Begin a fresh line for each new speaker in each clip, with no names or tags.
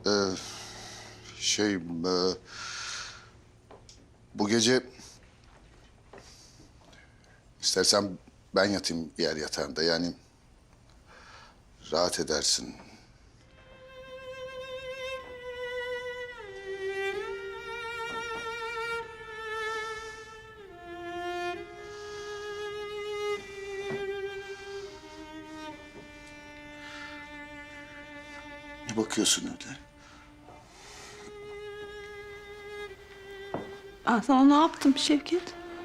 Ee, bu gece istersen ben yatayım yer yatağında. Yani rahat edersin. Ne bakıyorsun öyle?
Ben sana ne yaptım Şevket?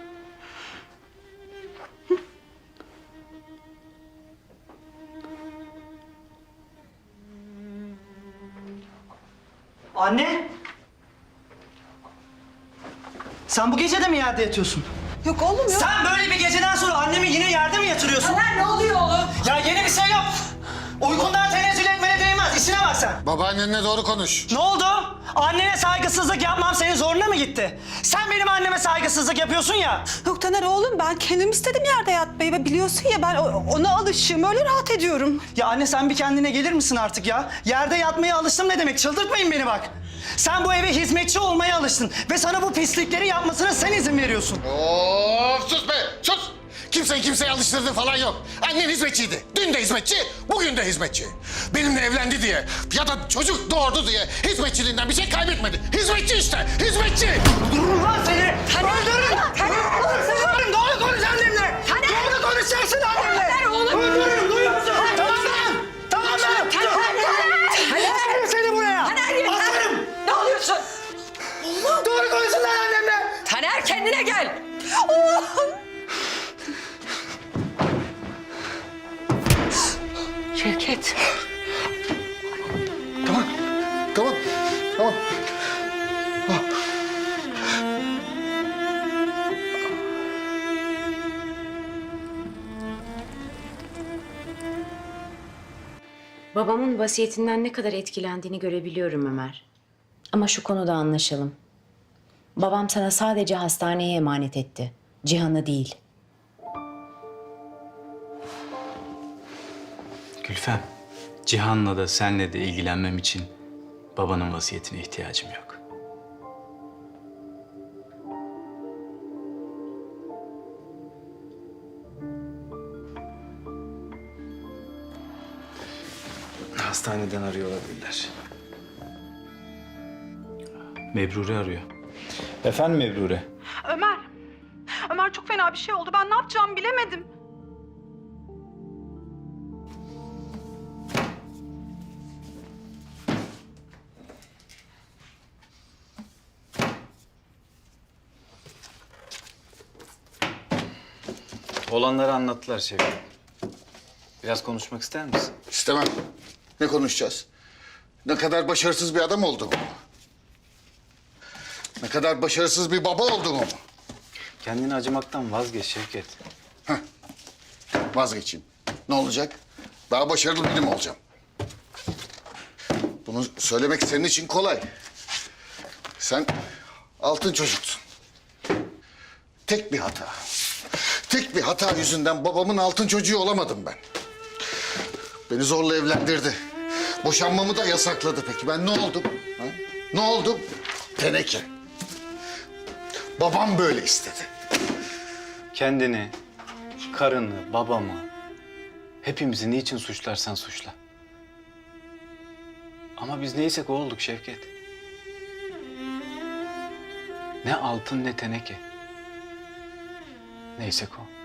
Anne! Sen bu gece de mi yerde yatıyorsun?
Yok oğlum yok.
Sen böyle bir geceden sonra annemi yine yerde mi yatırıyorsun?
Taner ne oluyor oğlum?
Ya yeni bir şey yok. Uykundan tenezzül etmene değmez. İşine bak sen.
Babaannenle doğru konuş.
Ne oldu? Annene saygısızlık yapmam senin zoruna mı gitti? Sen benim anneme saygısızlık yapıyorsun ya.
Yok Taner oğlum ben kendim istedim yerde yatmayı ve biliyorsun ya ben ona alışığım öyle rahat ediyorum.
Ya anne sen bir kendine gelir misin artık ya? Yerde yatmaya alıştım ne demek? Çıldırtmayın beni bak. Sen bu eve hizmetçi olmaya alıştın ve sana bu pislikleri yapmasına sen izin veriyorsun.
Of sus be sus. Kimseyi kimseye alıştırdığı falan yok. Annen hizmetçiydi. Dün de hizmetçi, bugün de hizmetçi. Benimle evlendi diye ya da çocuk doğurdu diye hizmetçiliğinden bir şey kaybetmedi. Hizmetçi işte, hizmetçi.
Öldürürüm lan seni!
Taner!
Öldürürüm!
Taner!
Öldürürüm! Doğru konuş annemle!
Taner!
Doğru konuşacaksın annemle!
Taner oğlum!
Öldürürüm, duyuyor musun? Tamam lan! Tamam lan! Asarım seni buraya!
Taner yeter!
Asarım!
Ne oluyorsun?
Doğru konuşun lan annemle!
Taner kendine gel! Şevket.
Tamam, tamam, tamam.
Babamın vasiyetinden ne kadar etkilendiğini görebiliyorum Ömer. Ama şu konuda anlaşalım. Babam sana sadece hastaneye emanet etti. Cihan'ı değil.
Gülfem, Cihan'la da senle de ilgilenmem için babanın vasiyetine ihtiyacım yok.
Hastaneden arıyor olabilirler.
Mebrure arıyor. Efendim Mebrure?
Ömer. Ömer çok fena bir şey oldu. Ben ne yapacağımı bilemedim.
Olanları anlattılar Şevket. Biraz konuşmak ister misin?
İstemem. Ne konuşacağız? Ne kadar başarısız bir adam olduğumu mu? Ne kadar başarısız bir baba olduğumu mu?
Kendini acımaktan vazgeç Şevket.
Vazgeçeyim. Ne olacak? Daha başarılı biri mi olacağım? Bunu söylemek senin için kolay. Sen altın çocuksun. Tek bir hata. Tek bir hata yüzünden babamın altın çocuğu olamadım ben. Beni zorla evlendirdi. Boşanmamı da yasakladı. Peki ben ne oldum? Ha? Ne oldum? Teneke. Babam böyle istedi.
Kendini, karını, babamı, hepimizi niçin suçlarsan suçla. Ama biz neysek o olduk Şevket. Ne altın ne teneke. Neysek o.